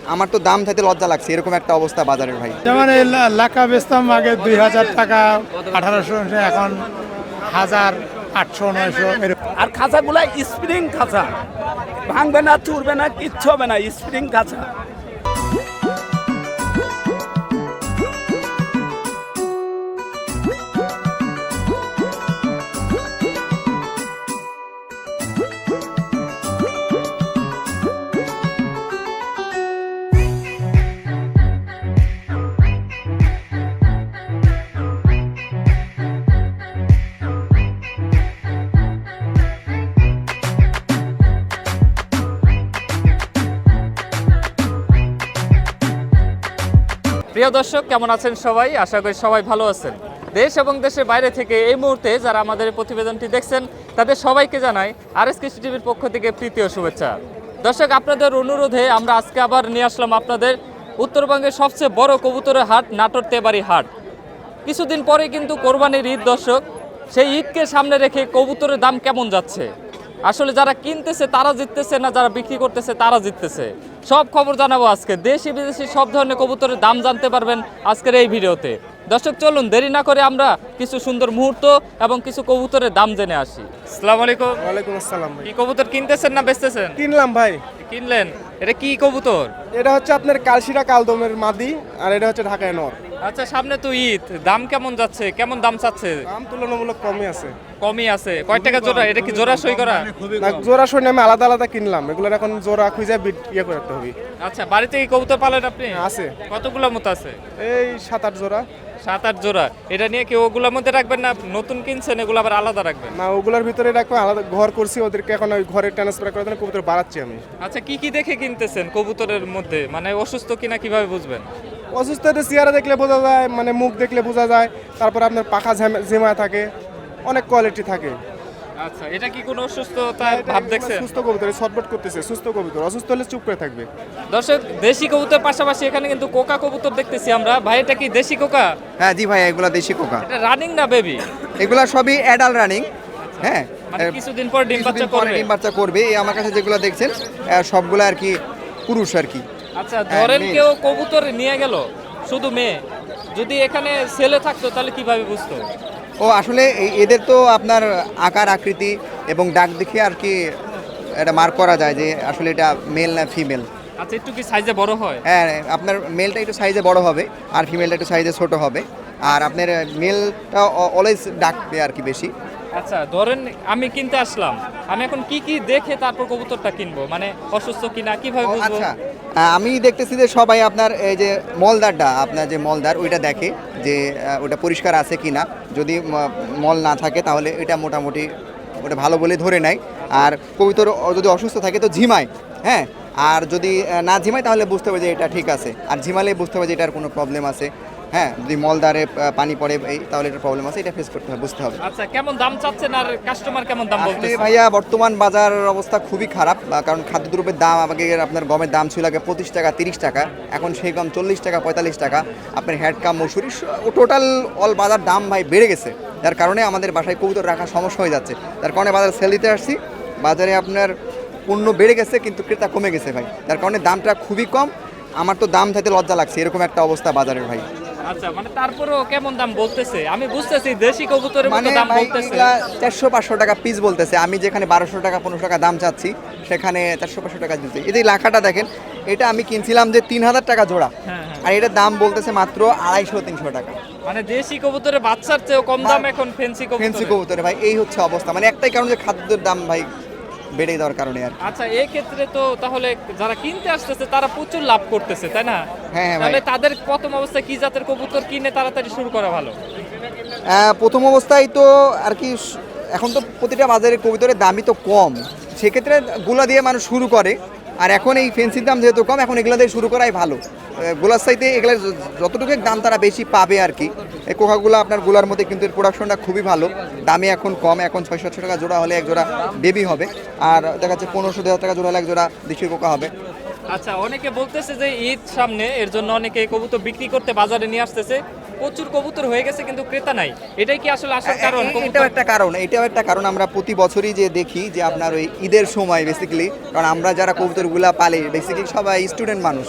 আমার তো দাম থাকতে লজ্জা লাগছে, এরকম একটা অবস্থা বাজারের ভাই। যেমন এই লাকা বেচতাম আগে 2000 টাকা 1800, এখন 1000, 800, 900 এরকম। আর খাঁচাগুলা স্প্রিং খাঁচা, ভাঙবে না, চুরবে না, কিচ্ছু হবে না, স্প্রিং খাঁচা। প্রিয় দর্শক, কেমন আছেন সবাই? আশা করি সবাই ভালো আছেন। দেশ এবং দেশের বাইরে থেকে এই মুহূর্তে যারা আমাদের এই প্রতিবেদনটি দেখছেন তাদের সবাইকে জানাই আরএস কৃষি টিভির পক্ষ থেকে প্রীতি ও শুভেচ্ছা। দর্শক, আপনাদের অনুরোধে আমরা আজকে আবার নিয়ে আসলাম আপনাদের উত্তরবঙ্গের সবচেয়ে বড় কবুতরের হাট, নাটোর তেবাড়ি হাট। কিছুদিন পরে কিন্তু কোরবানির ঈদ। দর্শক, সেই ঈদকে সামনে রেখে কবুতরের দাম কেমন যাচ্ছে, আসলে যারা কিনতেছে তারা জিততেছে না যারা বিক্রি করতেছে তারা জিততেছে, সব খবর জানাবো আজকে। দেশি বিদেশি সব ধরনের কবুতরের দাম জানতে পারবেন আজকের এই ভিডিওতে। দর্শক, চলুন দেরি না করে আমরা কিছু সুন্দর মুহূর্ত এবং কিছু কবুতরের দাম জেনে আসি। আসসালামু আলাইকুম। ওয়ালাইকুম আসসালাম ভাই। কি কবুতর কিনতেছেন না বেচতেছেন? কিনলাম ভাই। কিনলেন? এটা কি কবুতর? এটা হচ্ছে আপনার কালশিরা কালদমের মাদি, আর এটা হচ্ছে ঢাকায় নর। আচ্ছা, সামনে তো ঈদ, দাম কেমন যাচ্ছে, কেমন দাম চাচ্ছে? দাম তুলনামূলক কমই আছে। কমই আছে? কয় টাকা জোড়া? এটা কি জোড়া সই করা? না, জোড়া সই আমি আলাদা আলাদা কিনলাম, এগুলোর এখন জোড়া খুঁজে ইয়ে করতে হবে। আচ্ছা, বাড়িতে কি কবুতর পালেন আপনি? আছে, কতগুলো মতো আছে? এই 7-8 জোড়া। 7-8 জোড়া। এটা নিয়ে কি ওগুলোর মধ্যে রাখবেন না নতুন কিনছেন এগুলো আবার আলাদা রাখবেন? না, ওগুলোর ভিতরে রাখবো, আলাদা ঘর করছি ওদেরকে, এখন ওই ঘরে ট্রান্সফার করে দেন, কবুতর বাড়াচ্ছি আমি। আচ্ছা, কি কি দেখে কিনতেছেন কবুতরের মধ্যে? মানে অসুস্থ কিনা কিভাবে বুঝবেন? অসুস্থ চেহারা দেখলে বোঝা যায়, মানে মুখ দেখলে বোঝা যায়, তারপর আপনার পাখা ঝিমায় থাকে, অনেক কোয়ালিটি থাকে। আচ্ছা, এটা কি কোনো অসুস্থতার ভাব দেখছেন? সুস্থ কবুতর ছটফট করতেছে, সুস্থ কবুতর, অসুস্থ হলে চুপ করে থাকবে। দর্শক, দেশি কবুতর পাশাপাশি এখানে কিন্তু কোকা কবুতর দেখতেছি আমরা। ভাই, এটা কি দেশি কোকা? হ্যাঁ জি ভাই, এগুলা দেশি কোকা। এটা রানিং না বেবি? এগুলা সবই অ্যাডাল্ট রানিং। হ্যাঁ, মানে কিছুদিন পর ডিম বাচ্চা করবে? ডিম বাচ্চা করবে। এই আমার কাছে যেগুলো দেখছেন সবগুলো আর কি পুরুষ আর কি। আচ্ছা, ধরেন মেয়ে। কেউ কবুতর নিয়ে গেল শুধু মেয়ে, যদি এখানে ছেলে থাকতো তাহলে কিভাবে বুঝতো? ও আসলে এদের তো আপনার আকার আকৃতি এবং ডাক দেখে আর কি এটা মার্ক করা যায় যে আসলে এটা মেল না ফিমেল। আচ্ছা, একটু কি সাইজে বড় হয়? হ্যাঁ, আপনার মেলটা একটু সাইজে বড় হবে আর ফিমেলটা একটু সাইজে ছোট হবে। আর আপনার মেলটা অলওয়েজ ডাকবে আর কি বেশি। আচ্ছা, ধরেন আমি কিনতে আসলাম, আমি এখন কি কি দেখে তারপর কবুতরটা কিনবো? মানে অসুস্থ কিনা কিভাবে বুঝবো? আচ্ছা, আমি দেখতেছি যে সবাই আপনার এই যে মলদারটা, আপনার যে মলদার ওইটা দেখে যে ওটা পরিষ্কার আছে কিনা। যদি মল না থাকে তাহলে এটা মোটামুটি ওটা ভালো বলে ধরে নেয়। আর কবুতর যদি অসুস্থ থাকে তো ঝিমায়। হ্যাঁ, আর যদি না ঝিমায় তাহলে বুঝতে হবে যে এটা ঠিক আছে, আর ঝিমালে বুঝতে হবে যে এটার কোনো প্রবলেম আছে। হ্যাঁ, যদি মলদারে পানি পড়ে তাহলে এটা প্রবলেম আছে, এটা ফেস করতে হবে, বুঝতে হবে। আচ্ছা, কেমন দাম চাচ্ছেন আর কাস্টমার কেমন দাম আসলে বলতেছে? ভাইয়া বর্তমান বাজার অবস্থা খুবই খারাপ, কারণ খাদ্যদ্রব্যের দাম আগে আপনার গমের দাম ছিল আগে 25 টাকা 30 টাকা, এখন সেই গম 40 টাকা 45 টাকা। আপনার হ্যাডকাম মসুরি টোটাল অল বাজার দাম ভাই বেড়ে গেছে, যার কারণে আমাদের বাসায় কবুতর রাখা সমস্যা হয়ে যাচ্ছে। তার কারণে বাজারে সেল দিতে আসছি, বাজারে আপনার পণ্য বেড়ে গেছে কিন্তু ক্রেতা কমে গেছে ভাই, যার কারণে দামটা খুবই কম। আমার তো দাম থাকতে লজ্জা লাগছে, এরকম একটা অবস্থা বাজারের ভাই। আচ্ছা, মানে তারপরেও কেমন দাম বলতেছে? আমি বুঝতেছি দেশি কবুতরের মতো মানে দাম ভাই বলতেছে। 400-500 টাকা পিস বলতেছে, আমি যেখানে 1200 টাকা 1500 টাকা দাম চাচ্ছি সেখানে 400-500 টাকা দিতে। এই যে লাখাটা দেখেন, এটা আমি কিনছিলাম যে 3000 টাকা জোড়া, হ্যাঁ, হ্যাঁ। আর এটার দাম বলতেছে মাত্র 250-300 টাকা। মানে দেশি কবুতরের বাচ্চার চেয়েও কম দাম এখন ফেন্সি ফেন্সি কবুতর। কবুতরে ভাই এই হচ্ছে অবস্থা, মানে একটাই কারণ যে খাদ্যের দাম ভাই বেড়ে দেওয়ার কারণে আর কি। আচ্ছা, এই ক্ষেত্রে তো তাহলে যারা কিনতে আসতেছে তারা প্রচুর লাভ করতেছে, তাই না? হ্যাঁ হ্যাঁ ভাই। তাহলে তাদের প্রথম অবস্থায় কি জাতের কবুতর কিনে তাড়াতাড়ি শুরু করা ভালো? প্রথম অবস্থায় তো আর কি এখন তো প্রতিটা বাজারে কবুতরের দামই তো কম, সেক্ষেত্রে গুলা দিয়ে মানুষ শুরু করে। আর এখন এই ফেন্সির দাম যেহেতু কম, এখন এগুলো দিয়ে শুরু করাই ভালো। গোলার সাইতে এগুলো যতটুকু দাম তারা বেশি পাবে আর কি। এই কোকাগুলো আপনার গোলার মধ্যে কিন্তু এর প্রোডাকশনটা খুবই ভালো, দামে এখন কম, এখন 600-700 টাকা জোড়া হলে এক জোড়া বেবি হবে, আর দেখা যাচ্ছে 1500-2000 টাকা জোড়া হলে এক জোড়া দেশি কোকা হবে। আচ্ছা, অনেকে বলতেছে যে ঈদ সামনে, এর জন্য অনেকে কবুতর বিক্রি করতে বাজারে নিয়ে আসতেছে। প্রচুর কবুতর হয়ে গেছে কিন্তু ক্রেতা নাই, এটাই কি আসলে আসল কারণ? এটাও একটা কারণ আমরা প্রতি বছরই যে দেখি যে আপনার ওই ঈদের সময় বেসিক্যালি, কারণ আমরা যারা কবুতরগুলা পালি বেসিক্যালি সবাই স্টুডেন্ট মানুষ,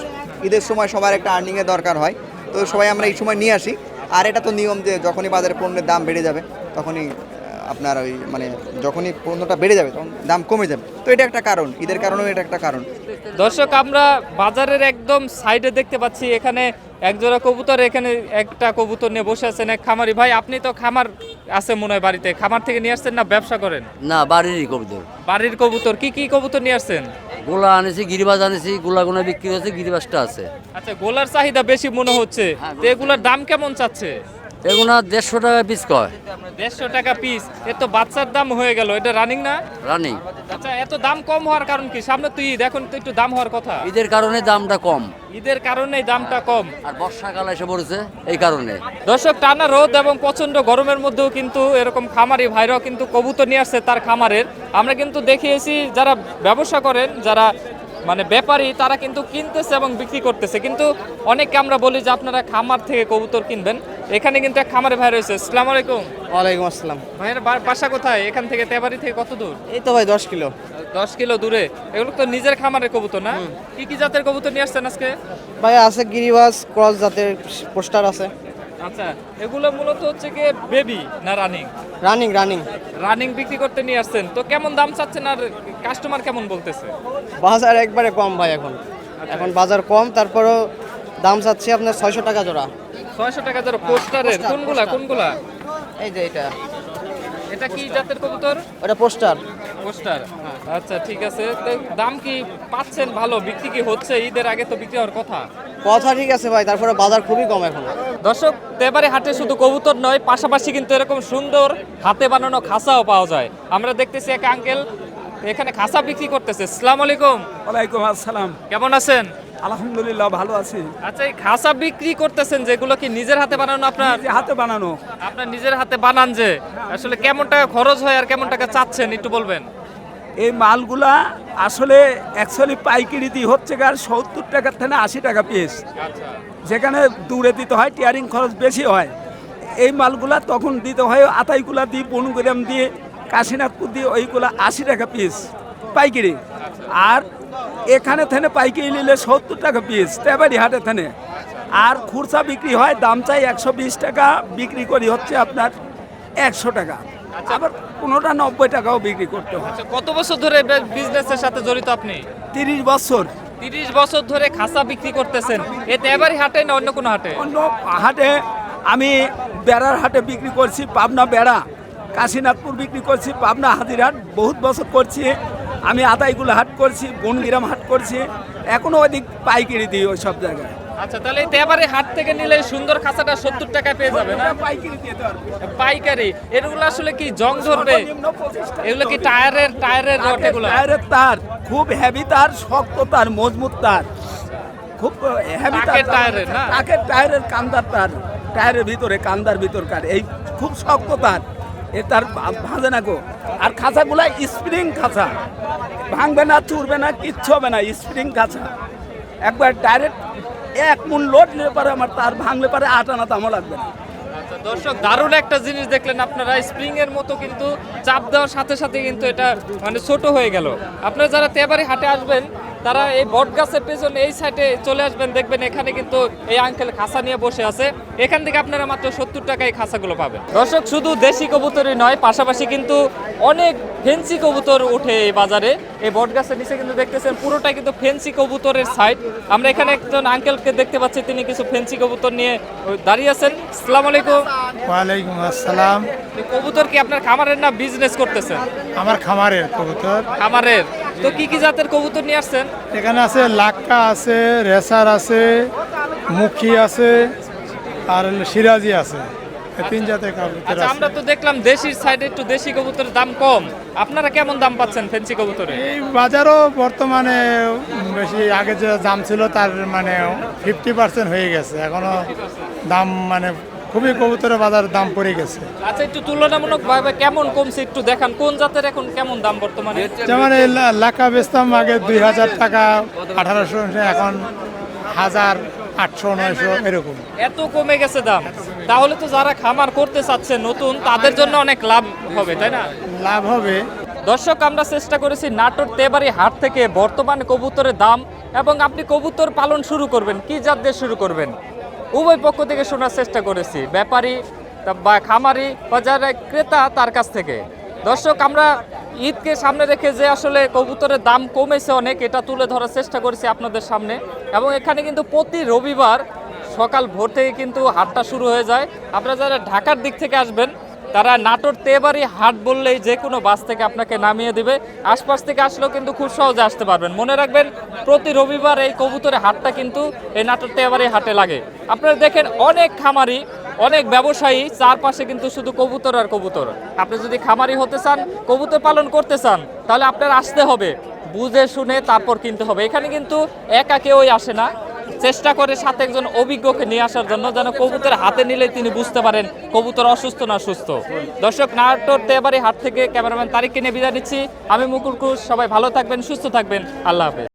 ঈদের সময় সবার একটা আর্নিংয়ের দরকার হয়, তো সবাই আমরা এই সময় নিয়ে আসি। আর এটা তো নিয়ম যে যখনই বাজারে পণ্যের দাম বেড়ে যাবে তখনই আপনার ওই মানে যখনই পণ্যটা বেড়ে যাবে তখন দাম কমে যাবে, তো এটা একটা কারণ, ঈদের কারণেও এটা একটা কারণ। দর্শক, আমরা বাজারের একদম সাইডে দেখতে পাচ্ছি এখানে একজোড়া কবুতর, এখানে একটা কবুতর নিয়ে বসে আছেন এক খামারি ভাই। আপনি তো খামার আছে মনে হয় বাড়িতে, খামার থেকে নিয়ে আসছেন না ব্যবসা করেন? না, বাড়িরই কবুতর। বাড়ির কবুতর, কি কি কবুতর নিয়ে আসছেন? গোলা আনেছি, গিরিবাজ আনেছি, গোলা বিক্রি হচ্ছে, গিরিবাজটা আছে। আচ্ছা, গোলার চাহিদা বেশি মনে হচ্ছে, তো এগুলোর দাম কেমন চাচ্ছে? এগুলা 150 টাকা পিস কয়। 150 টাকা পিস, এ তো বাচ্চার দাম হয়ে গেল, এটা রানিং না? রানিং। আচ্ছা, এত দাম কম হওয়ার কারণ কি? সামনে তো ঈদ, এখন তো একটু দাম হওয়ার কথা। ঈদের কারণে দামটা কম, ঈদের কারণেই দামটা কম। আর বর্ষাকাল এসে পড়েছে এই কারণে। দর্শক, টানা রোদ এবং প্রচন্ড গরমের মধ্যেও কিন্তু এরকম খামারি ভাইরাও কিন্তু কবুতর নিয়ে আসছে তার খামারের। আমরা কিন্তু দেখিয়েছি যারা ব্যবসা করেন, যারা মানে ব্যাপারী, তারা কিন্তু কিনতেছে এবং বিক্রি করতেছে, কিন্তু অনেককে আমরা বলি যে আপনারা খামার থেকে কবুতর কিনবেন। এখানে কিন্তু এক খামারে ভাই রয়েছে। আসসালামু আলাইকুম। ওয়ালাইকুম আসসালাম। ভাইয়ের বাসা কোথায়? এখান থেকে তেবাড়ি থেকে কত দূর? এই তো ভাই 10 কিলো। 10 কিলো দূরে। এগুলো তো নিজের খামারের কবুতর না? কি কি জাতের কবুতর নিয়ে আসছেন আজকে? ভাই আছে গিরিবাজ, ক্রস জাতের পোস্টার আছে। আচ্ছা, এগুলো মূলত হচ্ছে কি বেবি না রানিং? Running running. রানিং বিক্রি করতে নিয়ে আসছেন, তো কেমন দাম চাচ্ছেন আর কাস্টমার কেমন বলতেছে? বাজার একবারে কম ভাই এখন। এখন বাজার কম, তারপরও দাম চাচ্ছি আপনার 600 টাকা জোড়া। 600 টাকা ধরো পোস্টারের। পোস্টার, কোনগুলা পোস্টার। কোনগুলা? এই যে এটা, এটা কি জাতের কবুতর? ওটা পোস্টার। পোস্টার। আচ্ছা, ঠিক আছে। তো দাম কি পাচ্ছেন ভালো? বিক্রি কি হচ্ছে? ঈদের আগে তো বিক্রি হওয়ার কথা। কথা ঠিক আছে ভাই, তারপরে বাজার খুবই কম এখন। দর্শক, তেবারে হাটে শুধু কবুতর নয়, পাশাপাশি কিন্তু এরকম সুন্দর হাতে বানানো খাঁচাও পাওয়া যায়। আমরা দেখতেছি এক আঙ্কেল এখানে খাঁচা বিক্রি করতেছে। আসসালামু আলাইকুম। ওয়ালাইকুম আসসালাম। কেমন আছেন? আলহামদুলিল্লাহ, ভালো আছি। আচ্ছা, এই খাঁচা বিক্রি করতেছেন যেগুলো কি নিজের হাতে বানানো আপনার? যে হাতে বানানো, আপনার নিজের হাতে বানান যে, আসলে কেমন টাকা খরচ হয় আর কেমন টাকা চাচ্ছেন একটু বলবেন? এই মালগুলা আসলে অ্যাকচুয়ালি পাইকারি দিয়ে হচ্ছে গার 70 টাকার থেকে 80 টাকা পিস। আচ্ছা, যেখানে দূরে দিতে হয় টিয়ারিং খরচ বেশি হয়, এই মালগুলা তখন দিতে হয় আতাইগুলা দিয়ে, বনগ্রাম দিয়ে, কাশীনাথপুর দিয়ে, ওইগুলা 80 টাকা পিস পাইকারি। আর এখানে থেকে পাইকারি নিলে 70 টাকা পিস তেবারি হাটে থেকে। আর খুচরা বিক্রি হয়, দাম চাই 120 টাকা, বিক্রি করি হচ্ছে আপনার 100 টাকা। আবার কোনোটা 90 টাকাও বিক্রি করতে হয়। আচ্ছা, কত বছর ধরে বিজনেসের সাথে জড়িত আপনি? 30 বছর। 30 বছর ধরে খাঁচা বিক্রি করতেছেন। এতে এবারই হাটে না অন্য কোনো হাটে? অন্য হাটে আমি বেড়ার হাটে বিক্রি করছি, পাবনা বেড়া, কাশীনাথপুর বিক্রি করছি, পাবনা হাজিরহাট বহুত বছর করছি। আমি আদাইগুলো হাট করছি, বনগ্রাম হাট করছি, এখনো ওইদিক পাইকারি দিই ওই সব জায়গায়। আচ্ছা, তাহলে এবারে হাট থেকে নিলে সুন্দর খাঁচাটা 70 টাকায় পেয়ে যাবে না? পাইকারি দিয়ে দেওয়ার পাইকারি। এগুলো আসলে কি জং ধরবে? সর্বনিম্ন 25 টাকা। এগুলো কি টায়ারের রড এগুলো? টায়ারের তার, খুব হেভি তার, শক্ত তার, মজবুত তার, খুব হেভি তার। টাকের টায়ারের না? টাকের টায়ারের কান্দার তার, টায়ারের ভিতরে কান্দার ভিতরকার এই খুব শক্ত তার, এ তার ভাঙে না গো। আর খাঁচাগুলা স্প্রিং খাঁচা, ভাঙবে না, চুরবে না, কিচ্ছু হবে না, স্প্রিং খাঁচা। একবার ডাইরেক্ট 1 মণ লোড নিলে পারে আমার তার ভাঙলে পারে 8 আনা দামও লাগবে না। আচ্ছা, দর্শক, দারুণ একটা জিনিস দেখলেন আপনারা। স্প্রিং এর মতো কিন্তু চাপ দেওয়ার সাথে সাথে কিন্তু এটা মানে ছোট হয়ে গেল। আপনারা যারা তেবারি হাটে আসবেন তারা এই বট গাছের পেছনে এই সাইডে চলে আসবেন, দেখবেন এখানে কিন্তু এই আঙ্কেল খাঁচা নিয়ে বসে আছে। এখান থেকে আপনারা মাত্র 70 টাকায় এই খাঁচাগুলো পাবেন। দর্শক, শুধু দেশি কবুতরই নয়, পাশাপাশি কিন্তু অনেক ফেন্সি কবুতর উঠে এই বাজারে। এই বট গাছের নিচে কিন্তু দেখতেছেন পুরোটাই কিন্তু ফেন্সি কবুতরের সাইড। আমরা এখানে একজন আঙ্কেলকে দেখতে পাচ্ছি, তিনি কিছু ফেন্সি কবুতর নিয়ে দাঁড়িয়ে আছেন। আসসালামু আলাইকুম। ওয়ালাইকুম আসসালাম। এই কবুতর কি আপনার খামারের না বিজনেস করতেছেন? আমার খামারের কবুতর। খামারের। তো কি কি জাতের কবুতর নিয়ে আসছেন? এখানে আছে লাক্কা আছে, রেসার আছে, মুখী আছে, আর হলো সিরাজি আছে। এই 3 জাতের কবুতর আচ্ছা, আছে। আমরা তো দেখলাম দেশির সাইডে একটু দেশি কবুতরের দাম কম। আপনারা কেমন দাম পাচ্ছেন ফেন্সি কবুতরে? এই বাজারও বর্তমানে বেশি, আগে যে দাম ছিল তার মানে 50% হয়ে গেছে। এখনো দাম মানে খুবই কবুতরের বাজার দাম পড়ে গেছে। আচ্ছা, একটু তুলনামূলক ভাবে কেমন কমছে একটু দেখান। কোন জাতের এখন কেমন দাম বর্তমানে? যেমন এই লাক্কা বেচতাম আগে 2000 টাকা, 1800, এখন 1000, 800, 900 এরকম। এত কমে গেছে দাম, তাহলে তো যারা খামার করতে চাচ্ছে নতুন, তাদের জন্য অনেক লাভ হবে, তাই না? লাভ হবে। দর্শক, আমরা চেষ্টা করেছি নাটোর তেবাড়ি হাট থেকে বর্তমান কবুতরের দাম এবং আপনি কবুতর পালন শুরু করবেন, কি জাত দিয়ে শুরু করবেন, উভয় পক্ষ থেকে শোনার চেষ্টা করেছি, ব্যাপারী বা খামারি বা যারা ক্রেতা তার কাছ থেকে। দর্শক, আমরা ঈদকে সামনে রেখে যে আসলে কবুতরের দাম কমেছে অনেক, এটা তুলে ধরার চেষ্টা করেছি আপনাদের সামনে। এবং এখানে কিন্তু প্রতি রবিবার সকাল ভোর থেকে কিন্তু হাটটা শুরু হয়ে যায়। আপনারা যারা ঢাকার দিক থেকে আসবেন তারা নাটোর তেবাড়ি হাট বললেই যে কোনো বাস থেকে আপনাকে নামিয়ে দিবে। আশপাশ থেকে আসলেও কিন্তু খুব সহজে আসতে পারবেন। মনে রাখবেন, প্রতি রবিবার এই কবুতরের হাটটা কিন্তু এই নাটোর তেবাড়ি হাটে লাগে। আপনারা দেখেন অনেক খামারি, অনেক ব্যবসায়ী, চারপাশে কিন্তু শুধু কবুতর আর কবুতর। আপনি যদি খামারি হতে চান, কবুতর পালন করতে চান, তাহলে আপনার আসতে হবে, বুঝে শুনে তারপর কিনতে হবে। এখানে কিন্তু একা কেউই আসে না, চেষ্টা করে সাথে একজন অভিজ্ঞকে নিয়ে আসার জন্য, যেন কবুতর হাতে নিলে তিনি বুঝতে পারেন কবুতর অসুস্থ না সুস্থ। দর্শক, নাটোর তেবাড়ি হাট থেকে ক্যামেরাম্যান তারিককে নিয়ে বিদায় নিচ্ছি। আমি মুকুল ঘোষ। সবাই ভালো থাকবেন, সুস্থ থাকবেন। আল্লাহ হাফেজ।